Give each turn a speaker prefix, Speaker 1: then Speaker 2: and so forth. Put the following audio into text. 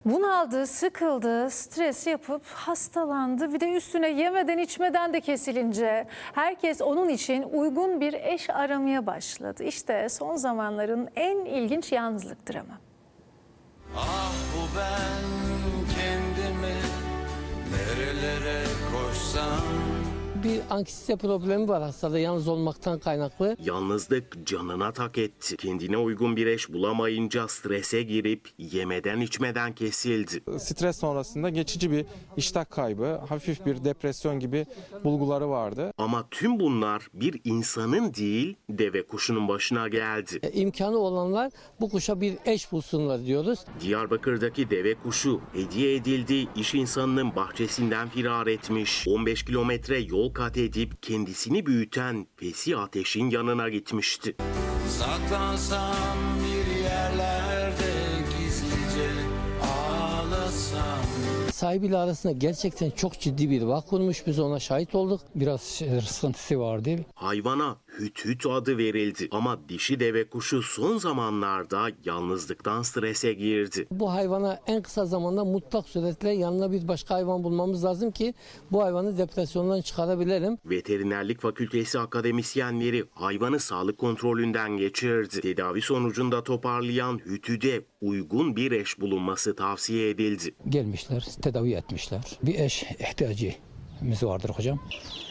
Speaker 1: Bunaldı, sıkıldı, stres yapıp hastalandı. Bir de üstüne yemeden içmeden de kesilince herkes onun için uygun bir eş aramaya başladı. İşte son zamanların en ilginç yalnızlık dramı.
Speaker 2: Ah bu ben kendimi nerelere koşsam.
Speaker 3: Bir anksiyete problemi var hastada, yalnız olmaktan kaynaklı.
Speaker 4: Yalnızlık canına tak etti. Kendine uygun bir eş bulamayınca strese girip yemeden içmeden kesildi.
Speaker 5: Stres sonrasında geçici bir iştah kaybı, hafif bir depresyon gibi bulguları vardı.
Speaker 4: Ama tüm bunlar bir insanın değil, deve kuşunun başına geldi.
Speaker 3: İmkanı olanlar bu kuşa bir eş bulsunlar diyoruz.
Speaker 4: Diyarbakır'daki deve kuşu hediye edildi, iş insanının bahçesinden firar etmiş. 15 kilometre yol kat edip kendisini büyüten Fesih Ateş'in yanına gitmişti.
Speaker 2: Saklansam bir yerlerde gizlice ağlasam.
Speaker 3: Sahibiyle arasında gerçekten çok ciddi bir bağ kurmuş. Biz ona şahit olduk.
Speaker 6: Biraz sıkıntısı vardı.
Speaker 4: Hayvana Hüt Hüt adı verildi ama dişi deve kuşu son zamanlarda yalnızlıktan strese girdi.
Speaker 3: Bu hayvana en kısa zamanda mutlak suretle yanına bir başka hayvan bulmamız lazım ki bu hayvanı depresyondan çıkarabilelim.
Speaker 4: Veterinerlik Fakültesi akademisyenleri hayvanı sağlık kontrolünden geçirdi. Tedavi sonucunda toparlayan Hütü'de uygun bir eş bulunması tavsiye edildi.
Speaker 6: Gelmişler, tedavi etmişler. Bir eş ihtiyacımız vardır hocam.